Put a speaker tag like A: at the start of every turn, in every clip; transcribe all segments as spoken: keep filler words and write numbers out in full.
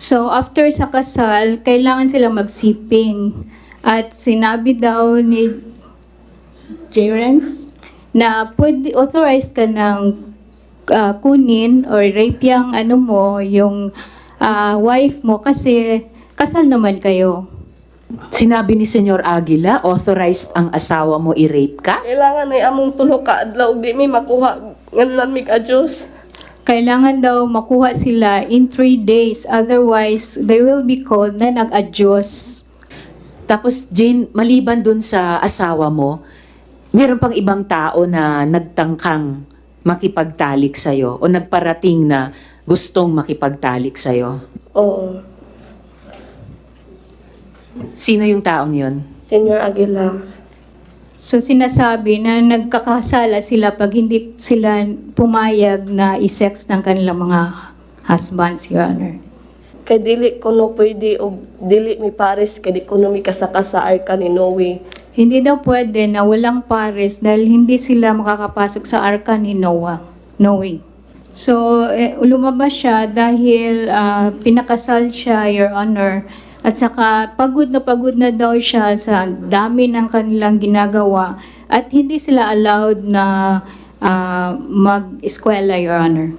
A: So after sa kasal, kailangan sila magsiping. At sinabi daw ni Jerence na pwede authorized ka ng ah, kunin or rape yung ano mo, yung ah, wife mo kasi kasal naman kayo.
B: Sinabi ni Senyor Aguila, authorized ang asawa mo i-rape ka?
C: Kailangan ay among tulo ka adlaw di mi makuha nganlan mi ka Dios.
A: Kailangan daw makuha sila in three days, otherwise they will be called na nag-adyos.
B: Tapos Jane, maliban dun sa asawa mo, meron pang ibang tao na nagtangkang makipagtalik sa'yo o nagparating na gustong makipagtalik sa'yo.
C: Oo.
B: Sino yung taong yun?
C: Senyor Aguila.
A: So sinasabi na nagkakasala sila pag hindi sila pumayag na i-sex ng kanilang mga husbands, Your Honor.
C: Kay dili ko no pwede og dili mi pares kay di ko no mi kasaka sa arka ni Noe.
A: Hindi daw pwede na walang pares dahil hindi sila makakapasok sa arka ni Noah. Noe. So, eh, lumabas siya dahil ah, pinakasal siya, Your Honor. At saka pagod na pagod na daw siya sa dami ng kanilang ginagawa. At hindi sila allowed na ah, mag-eskwela, Your Honor.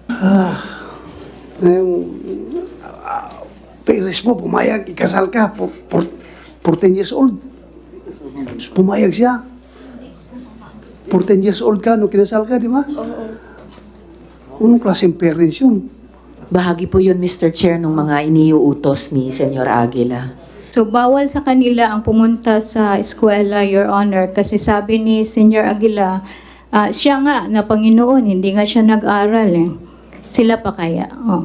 D: Yung uh, parents mo, pumayag, ikasal ka, for, for, fourteen years old. Pumayag siya. fourteen years old ka, nung kinasal ka, di ba?
C: Oo.
D: Anong klaseng parents yun?
B: Bahagi po yun, Mister Chair, ng mga iniuutos ni Senyor Aguila.
A: So, bawal sa kanila ang pumunta sa eskwela, Your Honor, kasi sabi ni Senyor Aguila, ah, siya nga na Panginoon, hindi nga siya nag-aral eh. Sila pa kaya? Oh.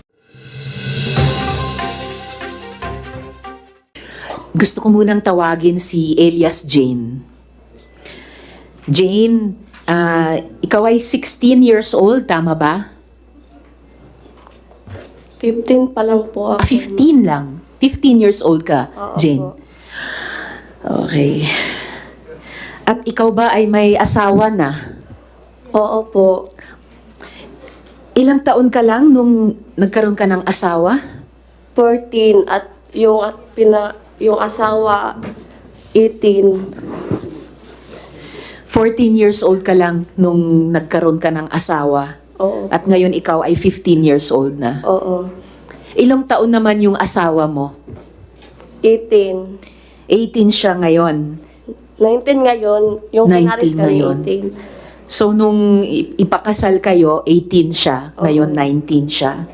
B: Gusto ko munang tawagin si Elias Jane. Jane, ah, ikaw ay sixteen years old, tama ba?
C: fifteen pa lang po
B: Ah,
C: ako.
B: fifteen lang. fifteen years old ka,
C: Oo
B: Jane.
C: po.
B: Okay. At ikaw ba ay may asawa na?
C: Oo po.
B: Ilang taon ka lang nung nagkaroon ka ng asawa?
C: fourteen at yung at pina yung asawa eighteen.
B: fourteen years old ka lang nung nagkaroon ka ng asawa.
C: Oo.
B: At ngayon ikaw ay fifteen years old na.
C: Oo.
B: Ilang taon naman yung asawa mo?
C: eighteen.
B: eighteen siya ngayon.
C: nineteen ngayon, yung pinaris
B: nineteen
C: kami
B: ngayon.
C: eighteen.
B: So nung i- ipakasal kayo, eighteen siya. Ngayon
C: Oo.
B: nineteen siya.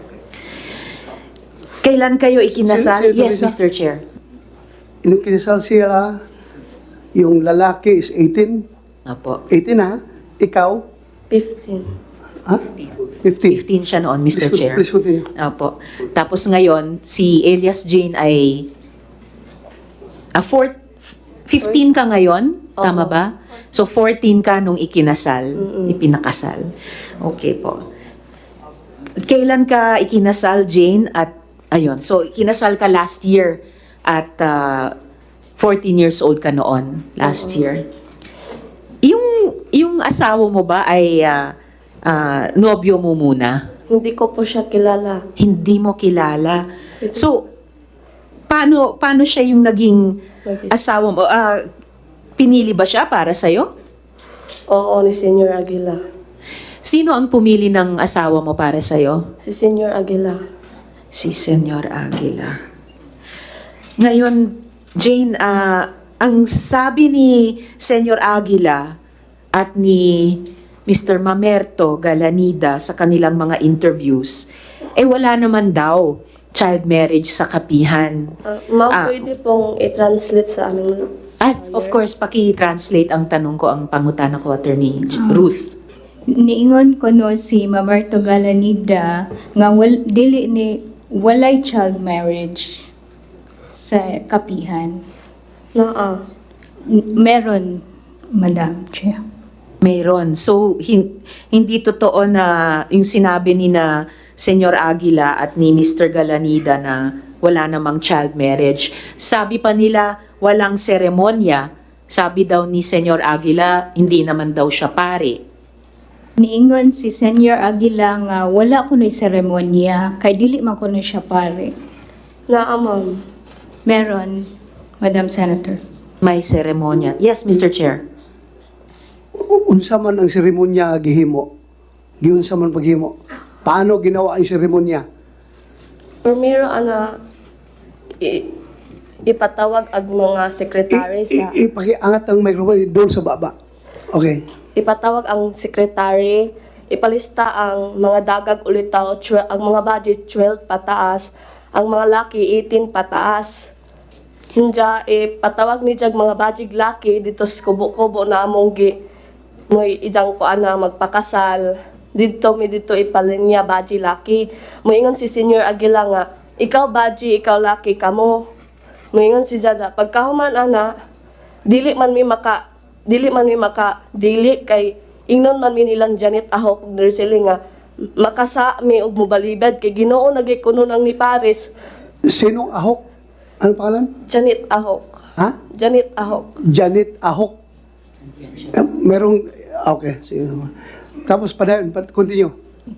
B: Kailan kayo ikinasal?
D: Sino- sino
B: Yes,
D: isa?
B: Mister Chair.
D: Nung kinasal siya, yung lalaki is eighteen.
B: Apo.
D: eighteen ha? Ikaw?
C: fifteen.
D: Ha? fifteen.
B: fifteen siya noon, Mister
D: Please,
B: Chair.
D: please continue.
B: Apo. Tapos ngayon, si Elias Jane ay ah, four, fifteen ka ngayon? Tama
C: Oo.
B: ba? So, fourteen ka nung ikinasal,
C: Mm-mm.
B: ipinakasal. Okay po. Kailan ka ikinasal, Jane? At, ayun, so, ikinasal ka last year at ah, fourteen years old ka noon, last
C: Oo.
B: year. Yung, yung asawa mo ba ay ah, ah, nobyo mo muna?
C: Hindi ko po siya kilala.
B: Hindi mo kilala. So, paano paano siya yung naging asawa mo? Ah, pinili ba siya para sa'yo?
C: Oo, ni Senyor Aguila.
B: Sino ang pumili ng asawa mo para sa'yo?
C: Si Senyor Aguila.
B: Si Senyor Aguila. Ngayon, Jane, ah, ang sabi ni Senyor Aguila at ni Mister Mamerto Galanida sa kanilang mga interviews, eh wala naman daw child marriage sa kapihan.
C: Uh, ma'am,
B: Ah.
C: pwede pong i-translate sa aming...
B: At of course, paki-translate ang tanong ko, ang pangutana ko, Attorney Ruth.
A: Niingon ko no si Mamerto Galanida nga wal, dili ni walay child marriage sa kapihan.
C: Naa.
A: N- Meron, Madam Chair.
B: Mayroon. So, hin- hindi totoo na yung sinabi ni na Senyor Aguila at ni Mister Galanida na wala namang child marriage. Sabi pa nila, walang seremonya. Sabi daw ni Senyor Aguila, hindi naman daw siya pare.
A: Niingon si Senior Aguila nga wala kuno'y seremonya, kay dili man kuno siya pare.
C: Naa, ma'am.
A: Meron, Madam Senator.
B: May seremonya. Yes, Mister Chair.
D: U- Unsa man ang seremonya nga gihimo? Giunsa man paghimo? Paano ginawa ang seremonya?
C: Primero, ana, i- ipatawag ang mga sekretary sa...
D: I- i- Ipakiangat ang microphone doon sa baba. Okay.
C: ipatawag ang sekretary, ipalista ang mga dagag ulitaw, twe- ang mga budget twelve pataas, ang mga laki eighteen pataas. Hinja, ipatawag ni Jag mga budget laki dito sa kubo-kubo na among gi mo'y ijang ko ana magpakasal. Dito mi dito ipalinya budget laki. Moingon si Senior Aguila nga, ikaw budget, ikaw laki kamo. Moingon si Jada, pagkahuman ana, dili man mi maka dili man mi maka dili kay ingnon man mi nilang Janet Aho pag nursing nga makasa mi og mobalibad kay Ginoo nagay kuno nang ni Paris.
D: Sinong Ahok? Ano pangalan?
C: Janet Ahok.
D: Ha?
C: Janet Ahok.
D: Janet Ahok. Eh, merong, okay. Sige. Tapos, padayon, pa- continue.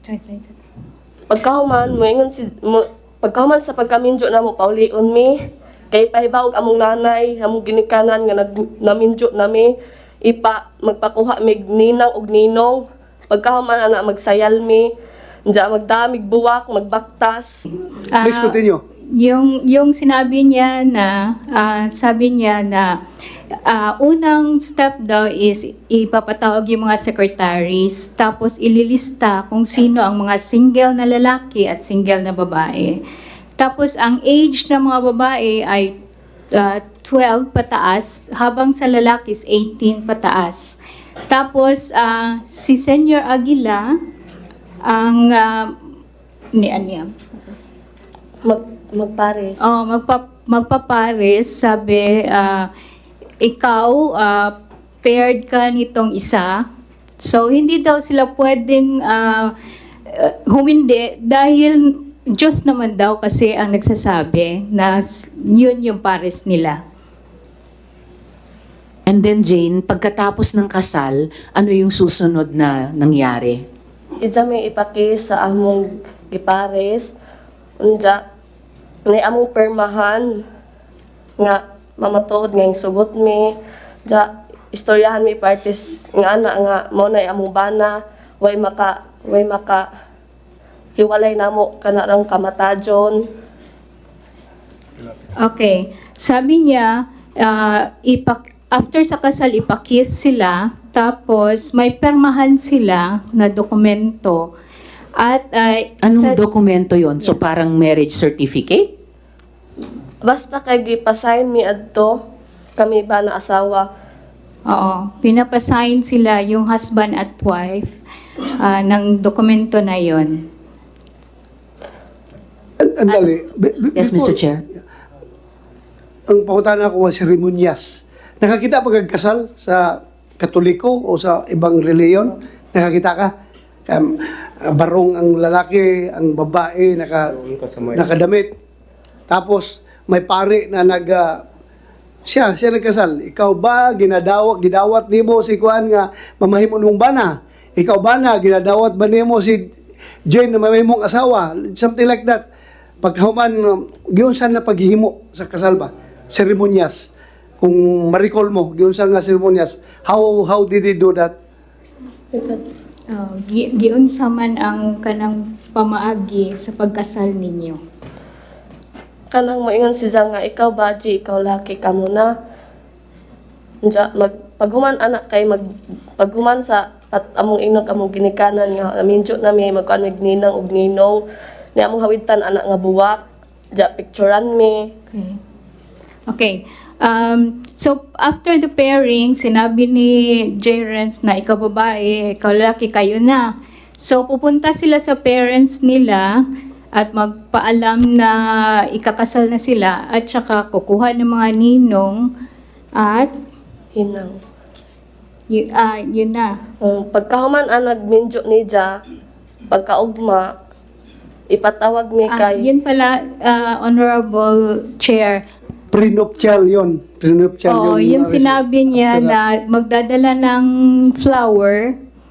C: Pagkahuman moingon si mo, pagkahuman sa pagkaminjo na mo paulion mi kay pahibaw among nanay among ginikanan nga nag naminjo nami ipa magpakuha mig ninang og ninong pagkahuman ana magsayal mi Diya magdamig buwak magbaktas.
A: Ah,
D: Please continue.
A: Yung yung sinabi niya na ah, sabi niya na ah, unang step daw is ipapatawag yung mga secretaries tapos ililista kung sino ang mga single na lalaki at single na babae. Tapos ang age ng mga babae ay ah, twelve pataas habang sa lalaki is eighteen pataas. Tapos ah, si Senior Aguila ang uh, ni Anya.
C: Mag magpares.
A: Oh, magpa magpapares, sabi, ah, ikaw, ah, paired ka nitong isa. So, hindi daw sila pwedeng ah, ah, humindi dahil Diyos naman daw kasi ang nagsasabi na s- yun yung pares nila.
B: And then Jane, pagkatapos ng kasal, ano yung susunod na nangyari?
C: Ija may ipaki sa among gipares. Unja, may among permahan nga mamatuod nga yung sugot mi. Ja, istoryahan mi parties nga ana nga mo na among bana way maka way maka hiwalay namo kanarang kamatajon.
A: Okay. Sabi niya, ah, ipak after sa kasal, ipakis sila, tapos may permahan sila na dokumento. At ah,
B: Anong
A: sa-
B: dokumento yon? So parang marriage certificate?
C: Basta kay gipasign mi adto kami ba na asawa.
A: Oo, pinapasign sila yung husband at wife ah, ng dokumento na yon.
D: An- Andali. Be- be-
B: Yes,
D: before-
B: Mister Chair.
D: Ang pangutana ko ang seremonyas. Nakakita pa kag kasal sa Katoliko o sa ibang reliyon? Nakakita ka? Um, barong ang lalaki, ang babae, naka, nakadamit. Tapos, may pare na nag... ah, siya, siya nagkasal. Ikaw ba, ginadawat, gidawat nimo si Kuan nga mamahimo nung bana? Ikaw ba na, ginadawat ba nimo si Jane na mamahimong asawa? Something like that. Paghuman, giyon saan na paghihimo sa kasal ba? Seremonyas. Kung ma-recall mo, giyon saan nga seremonyas. How, how did he do that?
A: Oh, gi- giunsa man ang kanang pamaagi sa pagkasal ninyo.
C: Kanang moingon si Zang nga ikaw baji, ikaw laki ka muna. Diya, mag paghuman anak kay mag paghuman sa at among inog among ginikanan nga aminjo na mi magkuan mig ninang og ninong ni among hawitan anak nga buwak. Diya picturean mi.
A: Okay. Okay. Um, so, after the pairing, sinabi ni J. Renz na ikaw babae, ikaw lalaki, kayo na. So, pupunta sila sa parents nila at magpaalam na ikakasal na sila at saka kukuha ng mga ninong at
C: Hinang.
A: y- ah, yun na.
C: Um, pagkahuman ang nagminjo ni Ja, pagkaugma, ipatawag mi
A: Ah,
C: kay
A: yun pala, ah, Honorable Chair.
D: Prenuptial yon. Prenuptial
A: Oo,
D: yun.
A: yung sinabi niya
D: After
A: na magdadala ng flower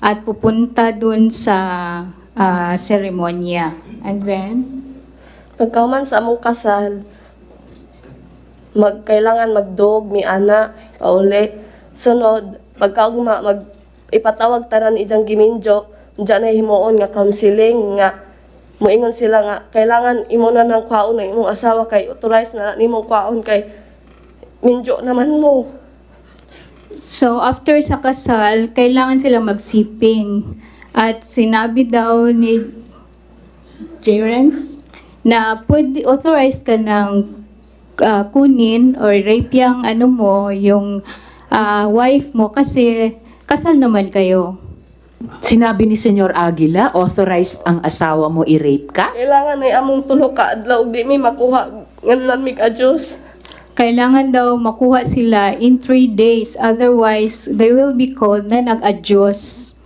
A: at pupunta dun sa ah, seremonya. And then,
C: Pagkahuman sa among kasal, magkailangan magdog, mi ana, pauli. Sunod, pagkaugma, mag ipatawag tanan ijang giminjo, diyan na himuon nga counseling nga moingon sila nga kailangan imo na ng kwaon ng imong asawa kay authorize na nimong kwaon kay minjo naman mo.
A: so after sa kasal, kailangan sila magsiping. At sinabi daw ni Jerence na pwede authorized ka ng ah, kunin or rape yung ano mo, yung ah, wife mo kasi kasal naman kayo.
B: Sinabi ni Senyor Aguila, authorized ang asawa mo i-rape ka?
C: Kailangan ay among tulo ka adlaw di mi makuha nganlan mi ka Dios.
A: Kailangan daw makuha sila in three days, otherwise they will be called na nag-adyos.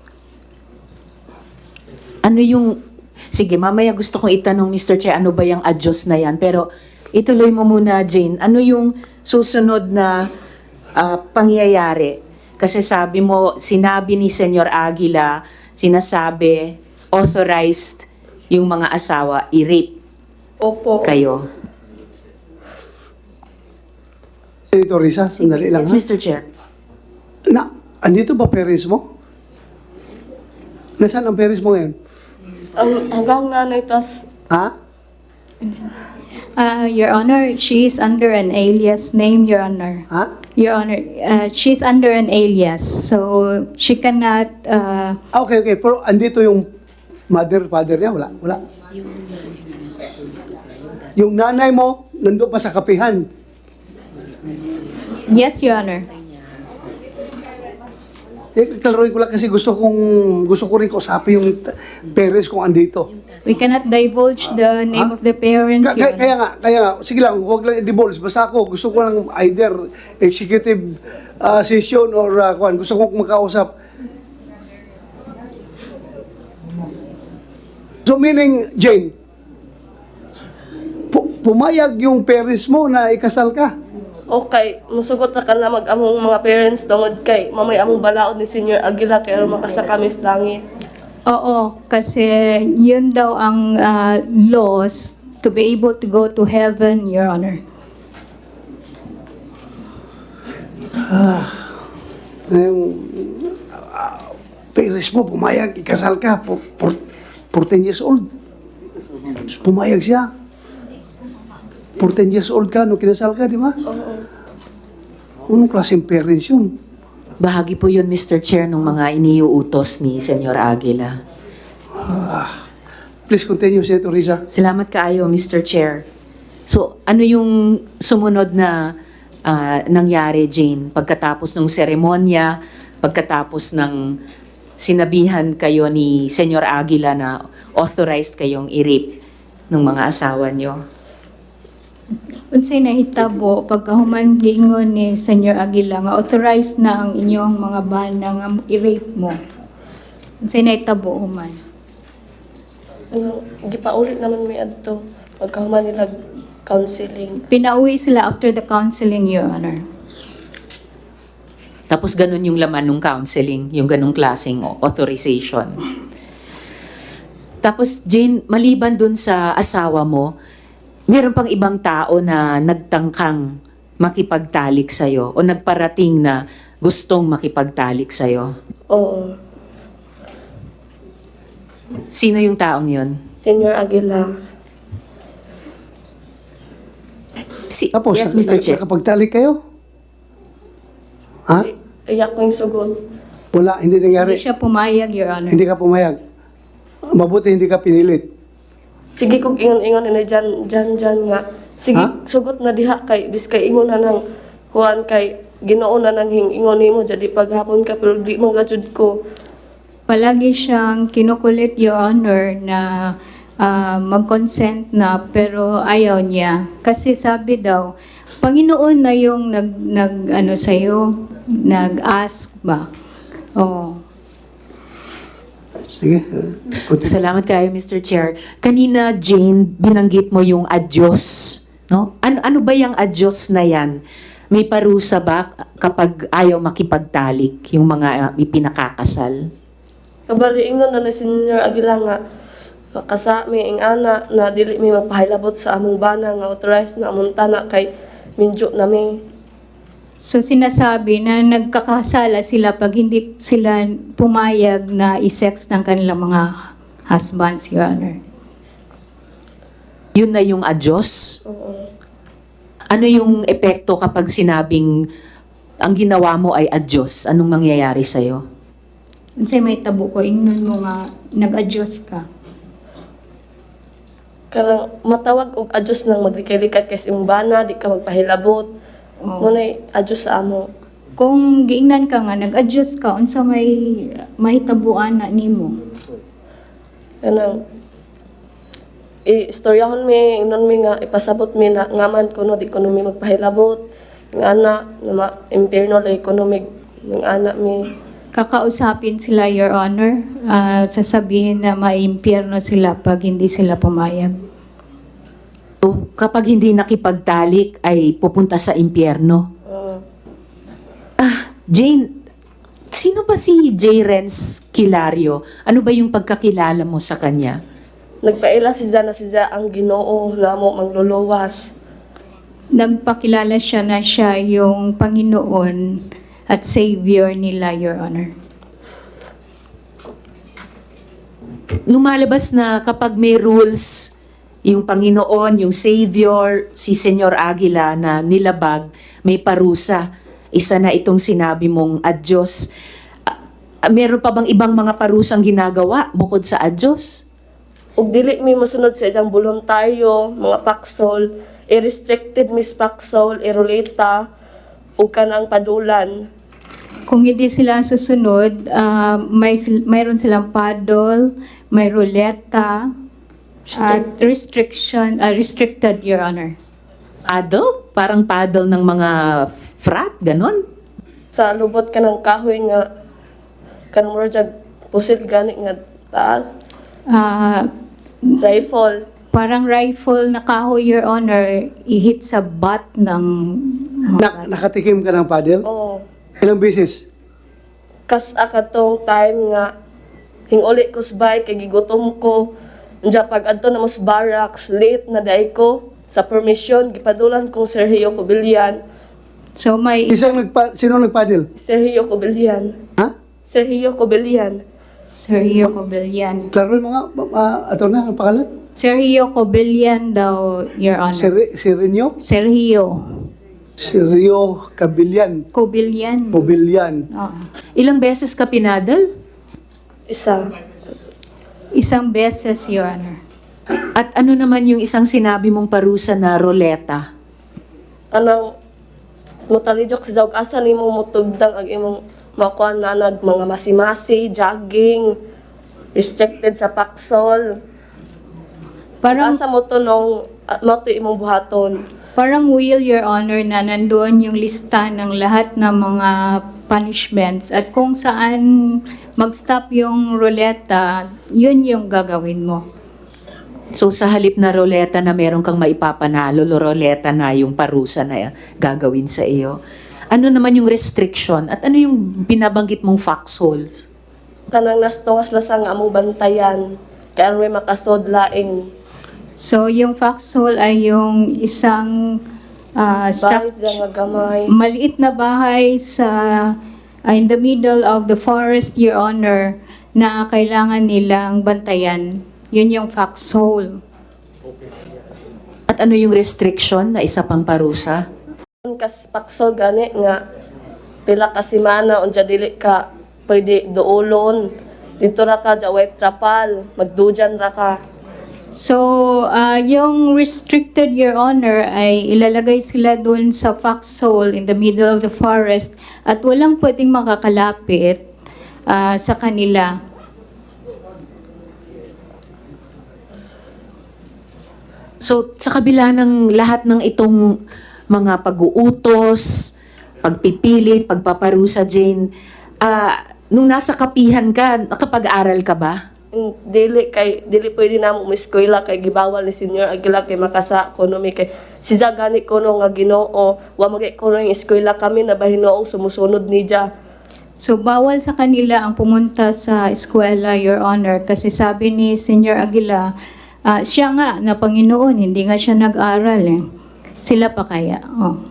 B: Ano yung, sige mamaya gusto kong itanong mister Chair, ano ba yung adyos na yan? Pero ituloy mo muna Jane, ano yung susunod na ah, pangyayari? Kasi sabi mo, sinabi ni Senyor Aguila, sinasabi, authorized yung mga asawa i-rape
C: Opo.
B: kayo.
D: Senator Risa, sandali lang
B: Yes,
D: ha.
B: mister Chair.
D: Na, andito ba parents mo? Nasaan ang parents mo ngayon?
C: Ang hanggang nanay tas
D: Ha?
A: Ah, Your Honor, she is under an alias name, Your Honor.
D: Ha?
A: Your Honor, uh, she's under an alias, so she cannot, uh,
D: Ah, okay, okay. Pero andito yung mother, father niya? Wala, wala. Yung nanay mo, nandun pa sa kapihan.
A: yes, Your Honor.
D: Eh, klaruhin ko lang kasi gusto kong, gusto ko rin kausapin yung t- parents kung andito.
A: We cannot divulge the name
D: Ah?
A: of the parents,
D: Ka-
A: Your
D: kaya, kaya
A: Honor.
D: nga, kaya nga, sige lang, huwag lang i-divulge. Basta ako, gusto ko lang either executive uh, session or uh, kuwan. Gusto kong makausap. So meaning, Jane, pu- pumayag yung parents mo na ikasal ka.
C: okay, musugot na ka na mag among mga parents tungod kay mamay among balaod ni Senior Aguila kay aron makasa kami sa langit.
A: Oo, kasi yun daw ang uh, laws to be able to go to heaven, Your Honor.
D: Yung uh, parents mo, pumayag, ikasal ka, for, for, fourteen years old. Pumayag siya. fourteen years old ka, nung kinasal ka, di ba?
C: Oo.
D: Anong klaseng parents yun?
B: Bahagi po yun, mister Chair, ng mga iniuutos ni Senyor Aguila.
D: Please continue, Senator Risa.
B: Salamat kaayo, mister Chair. So, ano yung sumunod na ah, nangyari, Jane, pagkatapos ng seremonya, pagkatapos ng sinabihan kayo ni Senyor Aguila na authorized kayong i-rape ng mga asawa nyo?
A: Unsay nahitabo pagkahuman giingon ni Senyor Aguila nga authorized na ang inyong mga bana nga i-rape mo. Unsay nahitabo human?
C: Ano, gipaulit naman mi adto pagkahuman nila counseling.
A: Pinauwi sila after the counseling, Your Honor.
B: Tapos ganun yung laman ng counseling, yung ganung klaseng authorization. Tapos Jane, maliban dun sa asawa mo, meron pang ibang tao na nagtangkang makipagtalik sa'yo o nagparating na gustong makipagtalik sa'yo.
C: Oo.
B: Sino yung taong yun?
C: Senior Aguila.
B: Si,
D: Tapos,
B: yes, mister
D: na-
B: Chair.
D: nakapagtalik kayo? Ha?
C: Iyak ko yung sugod.
D: Wala, hindi
A: Hindi
D: nangyari.
A: siya pumayag, Your Honor.
D: Hindi ka pumayag. Mabuti hindi ka pinilit.
C: Sige kog ingon-ingon na dyan, dyan, dyan nga. Sige,
D: Ha?
C: sugot na diha kay, bis kay ingon na nang kuhan kay, ginoo na nang hingingon nimo jadi paghapon ka, pero di man gajud ko.
A: Palagi siyang kinukulit, Your Honor, na ah, mag-consent na pero ayaw niya. Kasi sabi daw, Panginoon na yung nag, nag ano sa'yo, nag-ask ba? Oh.
D: Sige. uh, continue.
B: Salamat kayo, mister Chair. Kanina, Jane, binanggit mo yung adyos. No? Ano, ano ba yung adyos na yan? May parusa ba kapag ayaw makipagtalik yung mga uh, ipinakakasal?
C: Kabali ingnon na ni Senior Aguila nga makasa mi ing ana na dili mi magpahilabot sa among bana nga authorized na among tanak kay minjo na mi.
A: So sinasabi na nagkakasala sila pag hindi sila pumayag na i-sex ng kanilang mga husbands, Your Honor.
B: Yun na yung adyos?
C: Oo.
B: Ano yung epekto kapag sinabing ang ginawa mo ay adyos? Anong mangyayari sa'yo?
A: Unsay may tabo ko, ingnon mo nga nag-adjust ka.
C: Kanang matawag og adjust nang maglikay-likay kay imong bana di ka magpahilabot.
A: Oh.
C: Ngunay adjust sa amo.
A: Kung giingnan ka nga, nag-adjust ka, unsa may mahitabuan na nimo.
C: Kanang i-istoryahon mi, ingnon mi nga ipasabot mi na ngaman kuno di kuno mi magpahilabot. Ng ana na ma-impierno lay kuno mi ng ana mi.
A: Kakausapin sila, Your Honor, ah, sasabihin na maimpyerno sila pag hindi sila pumayag.
B: So, kapag hindi nakipagtalik ay pupunta sa impyerno.
C: Uh,
B: Ah, Jane, sino ba si J. Renz Kilario? Ano ba yung pagkakilala mo sa kanya?
C: nagpaila si na si ang Ginoo na mo mangluluwas.
A: Nagpakilala siya na siya yung Panginoon at Savior nila, Your Honor.
B: Lumalabas na kapag may rules, yung Panginoon, yung Savior, si Senyor Aguila na nilabag, may parusa. Isa na itong sinabi mong adyos. Ah, ah, meron pa bang ibang mga parusang ginagawa bukod sa adyos?
C: Ug dili mi mosunod sa iyang voluntaryo, mga paksol, i-restricted mis paksol, irulita, ug kanang padulan.
A: Kung hindi sila susunod, ah, may sil- mayroon silang paddle, may ruleta, at restriction, ah, restricted, Your Honor.
B: Paddle? Parang paddle ng mga frat, ganon?
C: Sa lubot ka ng kahoy nga, kanang murag pusil gani nga taas,
A: Ah,
C: rifle.
A: parang rifle na kahoy, Your Honor, i-hit sa butt ng
D: Na, nakatikim ka ng paddle?
C: Oo.
D: Ilang beses?
C: Kas akatong time nga, hinguli ko sa bike, kay gigutom ko. Diya pag adto na mas barracks, late na day ko. Sa permission, gipadulan kong Sergio Cobillan.
A: So may
D: Isang nagpa, sino nagpaddle?
C: Sergio Cobillan.
D: Ha?
C: Sergio Cobillan.
A: Sergio Cobillan.
D: Klaro yung mga, uh, ato na, ang pangalan?
A: Sergio Cobillan daw, Your Honor.
D: Sir, Sirenyo?
A: Sergio
D: Sergio Cabillan.
A: Cobillan.
D: Pobilyan.
A: Oo.
B: Ilang beses ka pinadal?
C: Isa.
A: Isang beses, Your Honor.
B: At ano naman yung isang sinabi mong parusa na roleta?
C: Anang mutalijok sa dawg asa nimo mutugdang ang imong makuan na nag mga masimasi, jogging, restricted sa paksol.
A: Parang
C: Asa mo to nung at mo to imong buhaton.
A: Parang will, Your Honor, na nandoon yung lista ng lahat ng mga punishments at kung saan mag-stop yung ruleta, yun yung gagawin mo.
B: So sa halip na roleta na meron kang maipapanalo, roleta na yung parusa na gagawin sa iyo. Ano naman yung restriction at ano yung binabanggit mong foxholes?
C: Kanang nastungas lasang among bantayan. Kaya may makasod laing
A: So, yung foxhole ay yung isang ah,
C: bahay
A: structure,
C: nga gamay.
A: maliit na bahay sa ah, in the middle of the forest, Your Honor, na kailangan nilang bantayan. Yun yung foxhole.
B: At ano yung restriction na isa pang parusa?
C: Kas paksol gani nga pila ka semana unja dili ka pwede duolon. Dito ra ka ja way trapal, magdujan ra ka.
A: So, ah, yung restricted, Your Honor, ay ilalagay sila dun sa foxhole in the middle of the forest at walang pwedeng makakalapit ah, sa kanila.
B: So sa kabila ng lahat ng itong mga pag-uutos, pagpipilit, pagpaparusa, Jane, ah, nung nasa kapihan ka, nakapag-aral ka ba?
C: Mm, Dili kay dili pwede na mo eskwela kay gibawal ni Senior Aguila kay makasa ekonomi kay si gani kuno nga Ginoo wa magay kuno yung eskwela kami na bahinoong sumusunod ni Dia.
A: So, bawal sa kanila ang pumunta sa eskwela, Your Honor, kasi sabi ni Senior Aguila, ah, siya nga na Panginoon, hindi nga siya nag-aral eh. Sila pa kaya? Oh.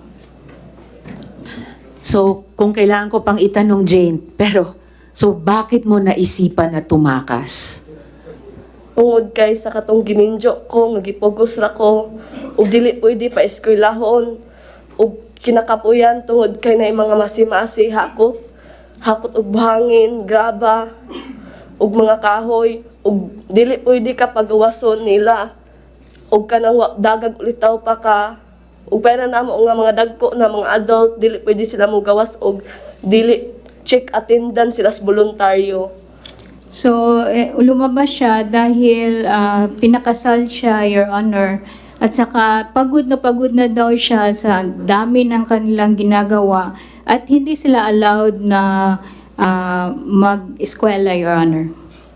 B: So, kung kailangan ko pang itanong, Jane, pero, so bakit mo naisipan na tumakas?
C: Tungod kay sa katong giminjo ko, nagipugos ra ko, ug dili pwede pa eskwelahon, ug kinakapuyan tungod kay na mga masimasi hakot, hakot og buhangin, graba, ug mga kahoy, ug dili pwede ka pagawason nila, ug kanang wa- dagag ulitaw pa ka, ug pera namo nga mga dagko na mga adult, dili pwede sila mo gawas, ug dili check attendance sila sa voluntaryo.
A: So, eh, lumabas siya dahil ah, pinakasal siya, Your Honor. At saka pagod na pagod na daw siya sa dami ng kanilang ginagawa. At hindi sila allowed na ah, mag-eskwela, Your Honor.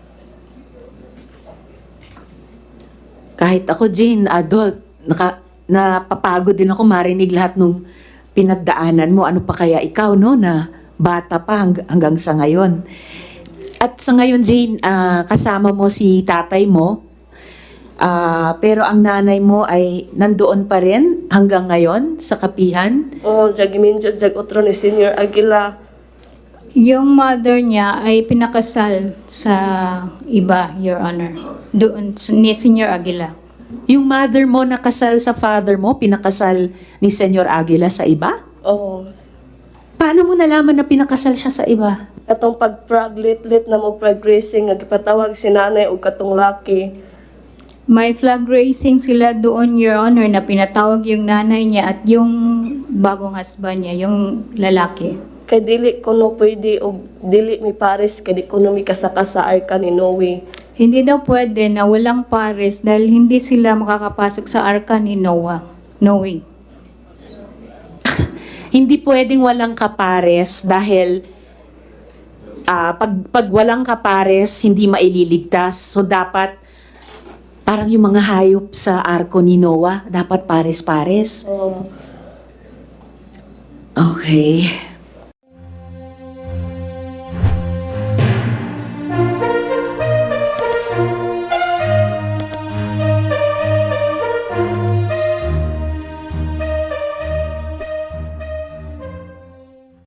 B: Kahit ako, Jane, adult, naka, napapagod din ako marinig lahat nung pinagdaanan mo. Ano pa kaya ikaw, no, na bata pa hang- hanggang sa ngayon. At sa ngayon, Jane, ah, kasama mo si tatay mo, ah, pero ang nanay mo ay nandoon pa rin hanggang ngayon sa kapihan.
C: Oh, jag giminjo jag otro ni Senior Aguila.
A: Yung mother niya ay pinakasal sa iba, Your Honor. Doon, ni Senior Aguila.
B: Yung mother mo nakasal sa father mo, pinakasal ni Senyor Aguila sa iba?
C: Oh,
B: Paano mo nalaman na pinakasal siya sa iba?
C: katong pagpraglit-lit na mo progressing nga gipatawag si nanay og katong laki.
A: May flag raising sila doon, Your Honor, na pinatawag yung nanay niya at yung bagong husband niya, yung lalaki.
C: Kay dili ko no pwede og dili mi pares kay di ko no mi kasaka sa arka ni Noe.
A: Hindi daw pwede na walang pares dahil hindi sila makakapasok sa arka ni Noah. No way.
B: Hindi pwedeng walang kapares dahil ah, pag, pag walang kapares, hindi maililigtas. So dapat, parang yung mga hayop sa arko ni Noah, dapat pares-pares.
C: Oh,
B: Okay.